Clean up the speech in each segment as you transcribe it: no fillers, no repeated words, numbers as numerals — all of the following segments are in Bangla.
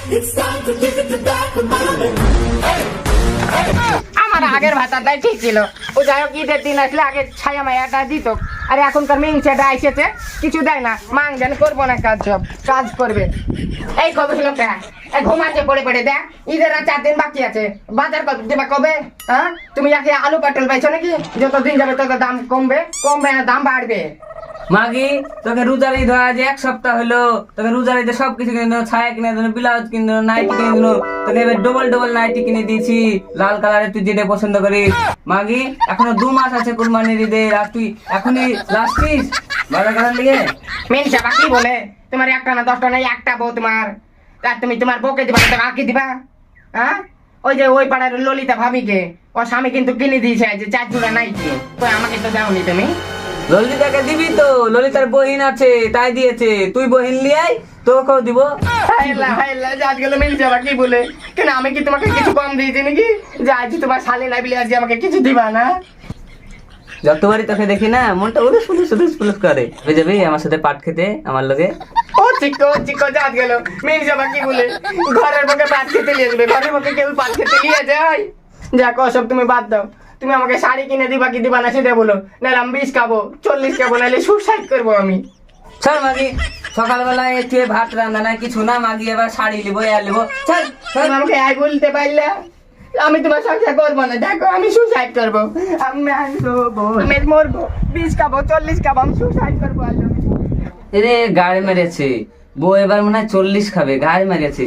আমার আগের ভাতাটাই ঠিক ছিল। ও যাই হোক ঈদের দিন আসলে আগে ছায়া মায়াটা দিত, আর এখনকার মিংসেটা এসেছে কিছু দেয় না। মাং যেন করবো না কাজ, সব কাজ করবে। এই কবে লোকটা ঘুমাচ্ছে পড়ে পড়ে, দেখ ঈদের আর 4 দিন বাকি আছে, বাজার কবে দেবা কবে? হ্যাঁ তুমি আগে আলু পটল পাইছো নাকি? যত দিন যাবে তত দাম কমবে, কমবে না দাম বাড়বে। মাগি তোকে রোজার ঈদ হয় আজ 1 সপ্তাহ হলো, তোকে রোজার ঈদে সবকিছু কিনে দিল, ছায়া কিনে দিল, ব্লাউজ কিনে দিল, নাইটি কিনে দিল। তোকে এবার ডবল ডবল নাইটি কিনে দিয়েছি লাল কালারের, তুই যেটা পছন্দ করিস। মাগি এখনো 2 মাস আছে কুরবানির ঈদের, আর তুই এখনই লাস্টিস বাজার করার লিগে। মিনসা কি বলে তোমার একটা না 10টা নাই, একটা বউ তোমার, আর তুমি তোমার বউকে দিবা না কাকে দিবা? হ্যাঁ ওই যে ওই পাড়ার ললিতা ভাবিকে ওর স্বামী কিন্তু কিনে দিয়েছে যে 4 জোড়া নাইটি, তো আমাকে তো দাওনি তুমি। ললিতাকে দিবি তো, ললিতার বহিন আছে তাই দিয়েছে, তুই বহিন লিয়াই তোকেও দিব। হাইলা হাইলা আজ গেল মিনসা কি বলে, কেন আমি কি তোমাকে কিছু কম দিয়েছি নাকি যে আজ তোমার শালি নাই বলে আজ আমাকে কিছু দিবা না? যতবারই তোকে দেখি না মনটা উলুস উলুস উলুস উলুস করে, হয়ে যাবি আমার সাথে পাট খেতে আমার লগে। ও চিকো চিকো আজ গেল মিনসা কি বলে, ঘরের পক্ষে পাট খেতে নিয়ে যাবে, ঘরের পক্ষে কেউ পাট খেতে নিয়ে যায়? যাক ওসব তুমি বাদ দাও, তুমি আমাকে শাড়ি কিনে দিবা কি দিবা না সেটা বলো, নাহলে আমি 20 খাবো 40 খাবো, নাহলে সুসাইড করবো আমি। চল মাগি সকালবেলায় একটু ভাত রান্না নাই কিছু না, মাগি এবার শাড়ি লিবো আর লিবো। চল তুমি আমাকে আই বলতে পারলে আমি তোমার সংসার করবো না, দেখো আমি সুসাইড করবো, আমি মরবো, 20 খাবো 40 খাবো, আমি সুসাইড করবো। রে গাড়ি মেরেছে বউ, এবার মনে হয় 40 খাবে, গাড়ি মেরেছে।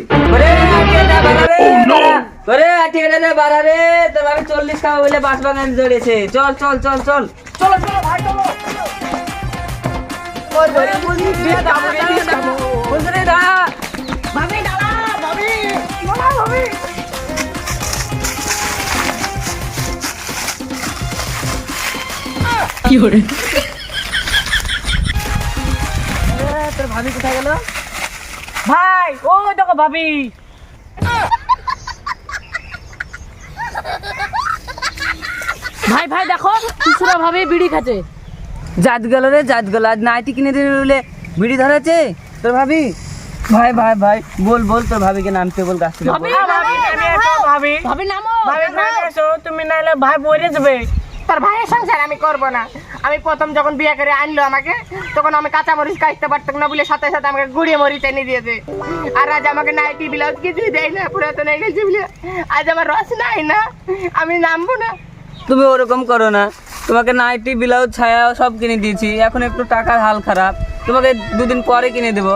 বাড়া রে তোর ভাবি 40 খাবে বলে বাস বাগান জড়িয়েছে। চল চল চল চল চলো চলো ভাই চলো। ভাবি দাঁড়া, ভাবি দাঁড়া, ভাবি কি করে তোর ভাবি কোথায় গেল? ভাই ও দেখো ভাবি। ভাই ভাই দেখো খুচরা ভাবে বিড়ি খাচ্ছে। জাত গেল রে জাত গেল, আজ নাইটি কিনে দিলে বলে বিড়ি ধরেছে তোর ভাবি। ভাই ভাই ভাই বল বল তোর ভাবিকে নামতে বল গাছ থেকে। ভাবি ভাবি ভাবি নামো ভাবি এসো, তুমি নাইলে ভাই বইরে যাবে। তার ভাইয়ের সংসার আমি করব না। আমি প্রথম যখন বিয়ে করে আনলো আমাকে, তখন আমি কাঁচা মরিচ কাটতে পারতাম না বলে সাথে সাথে আমাকে গুড়িয়ে মরিচ এনে দিয়েছে। আর আজ আমাকে নাইটি ব্লাউজ কিছুই দেয় না, পুরাতন হয়ে গেছে বলে আজ আমার রস নাই না, আমি নামবো না। তুমি ওরকম করো না, তোমাকে নাইটি ব্লাউজ ছায়া সব কিনে দিয়েছি, এখন একটু টাকার হাল খারাপ, তোমাকে 2 দিন পরে কিনে দেবো।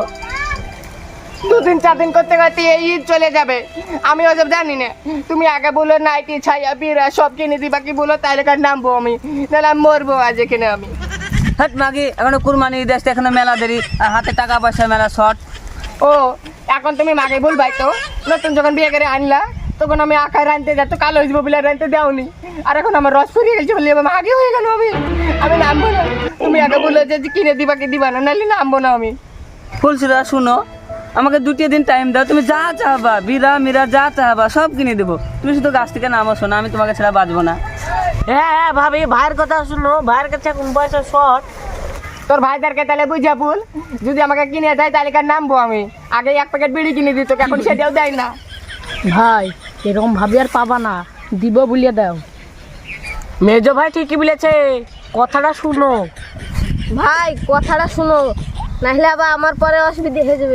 2 দিন 4 দিন করতে করতে এই ঈদ চলে যাবে, আমি ওসব জানি না। তুমি আগে বলো নাইটি ছায়া বিরা সব কিনে দিবা কি বলো, তাইলে কার নামবো আমি, নাহলে আমি মরবো আজ এখানে আমি। হাট মাগি এখনো কুরবানি ঈদ আসতে এখনো মেলা দেরি, আর হাতে টাকা পয়সা মেলা শর্ট। ও এখন তুমি মাকে বলবাই তো, নতুন যখন বিয়ে করে আনলা তখন আমি আঁকায় রানতে যাতো, কালো হয়ে যাবো বলে রানতে দেওনি, আর এখন আমার রস ফুরিয়ে গেছে বলে আমার আগে হয়ে গেল, আমি নামবো না। তুমি আগে বললো যে কিনে দিবা কি দিবা না, নাহলে নামবো না আমি। ফুলসুরা শুনো, আমাকে 2 দিন টাইম দাও, তুমি যা চাহবা বিরা মিরা যা চাহবা সব কিনে দেবো, তুমি শুধু গাছ থেকে নামো, শোনো আমি তোমাকে ছাড়া বাঁচবো না। হ্যাঁ ভাবি ভাইয়ের কথা শুনো, ভাইয়ের কাছে এখন পয়সা শর্ট। তোর ভাইদেরকে তাহলে বুঝা বল, যদি আমাকে কিনে দেয় তাহলে কার নামবো আমি। আগে 1 প্যাকেট বিড়ি কিনে দিত, এখন সেটাও দেয় না। ভাই এরকম ভাবি আর পাবা না, দিব বলিয়ে দাও। মেজো ভাই ঠিকই বলেছে, কথাটা শুনো। ভাই কথাটা শুনো, নাহলে আবার আমার পরে অসুবিধা হয়ে যাবে।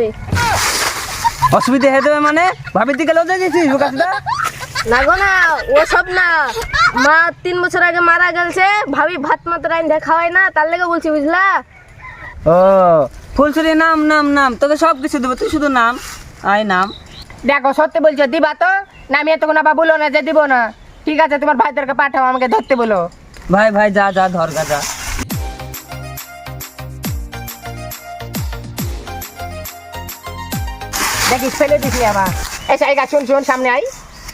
অসুবিধা হয়ে যাবে মানে? ভাবির দিকে লজে গেছিস গাছটা? না গো না, ও সব না, মা 3 বছর আগে মারা গেছে, ভাবি ভাত মাত্র রাইন দেখা হয় না, তার লেগে বলছি বুঝলা। ও ফুলসুরি নাম নাম নাম, তোকে সব কিছু দেবো, তুই শুধু নাম আয় নাম। দেখো সত্যি বলছো দিবা তো, না আমি এতক্ষণ আবার বলো না যে দিব না। ঠিক আছে তোমার ভাইদেরকে পাঠাও, আমাকে ধরতে বলো। ভাই ভাই যা যা ধর গা যা। দেখিস ফেলে দিছি আবার। এই জায়গা শুন শুন, সামনে আই।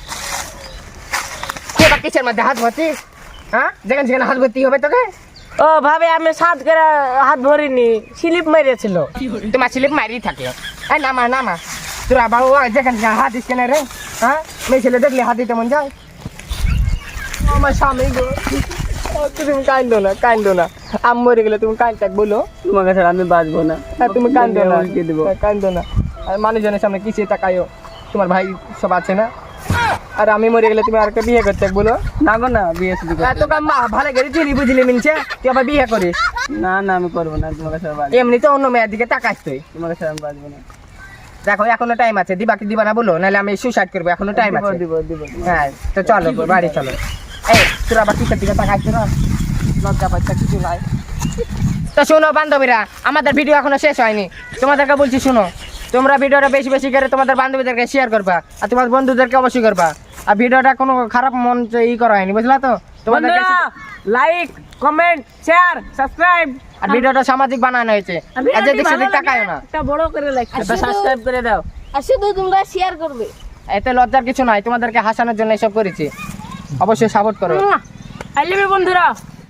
কে বা কিসের মধ্যে হাত ভরছিস? হ্যাঁ যেখানে সেখানে হাত ভর্তি হবে তোকে। ও ভাবে আমি 7 করে হাত ভরিনি, স্লিপ মেরেছিল। তোমার স্লিপ মারি থাকে। এই নামা নামা, তোরা বাবু যেখানে সেখানে হাত দিস কেন রে? হ্যাঁ মেয়ে ছেলে দেখলে হাত দিতে মন যায়? আমার স্বামী গো, তুমি কান্দো না কান্দো না, আম মরে গেলে তুমি কান্দতে বলো। তোমাকে ছাড়া আমি বাঁচবো না। হ্যাঁ তুমি কান্দো না, উল্টে দেবো। কান্দো না, আর মানুষজনের সামনে কিসে তাকায়ও। তোমার ভাই সব আছে না? আর আমি মরে গেলে তুমি আরেকটা বিয়ে করতে বলো? না গো না, বিয়ে শুধু করবো। তোকে ভালো করে চিনি বুঝলি মিনছে, তুই আবার বিয়ে করিস? না না, আমি করবো না, তোমাকে ছাড়া বাঁচবো এমনি তো অন্য মেয়ের দিকে তাকাস তুই। তোমাকে ছাড়া আমি বাঁচবো না। দেখো এখনো টাইম আছে, দিবা কি দিবা না বলো, নাহলে আমি সুসাইড করবো, এখনো টাইম দিব আছে। দিব দিব দিব। হ্যাঁ তো চলো বাড়ি চলো। এই তোরা আবার কিসের দিকে তাকাচ্ছ না? লজ্জা পাচ্ছা কিছু নাই। তো শোনো বান্ধবীরা, আমাদের ভিডিও এখনো শেষ হয়নি, তোমাদেরকে বলছি শোনো, তোমরা ভিডিওটা বেশি বেশি করে তোমাদের বান্ধবীদেরকে শেয়ার করবা, আর তোমার বন্ধুদেরকে অবশ্যই করবা। আর ভিডিওটা কোনো খারাপ মন ই করা হয়নি, বুঝলা তো? তোমাদেরকে লাইক কমেন্ট শেয়ার সাবস্ক্রাইব আর ভিডিওটা সামাজিক বানানো হয়েছে, আর যেদিক সেদিক তাকায়ও না। একটা বড় করে লাইক এটা সাবস্ক্রাইব করে দাও। আর শুধু তোমরা শেয়ার করবে। এতে লজ্জার কিছু নাই, তোমাদেরকে হাসানোর জন্য এসব করেছি, অবশ্যই সাপোর্ট করো। আই লাভ ইউ বন্ধুরা।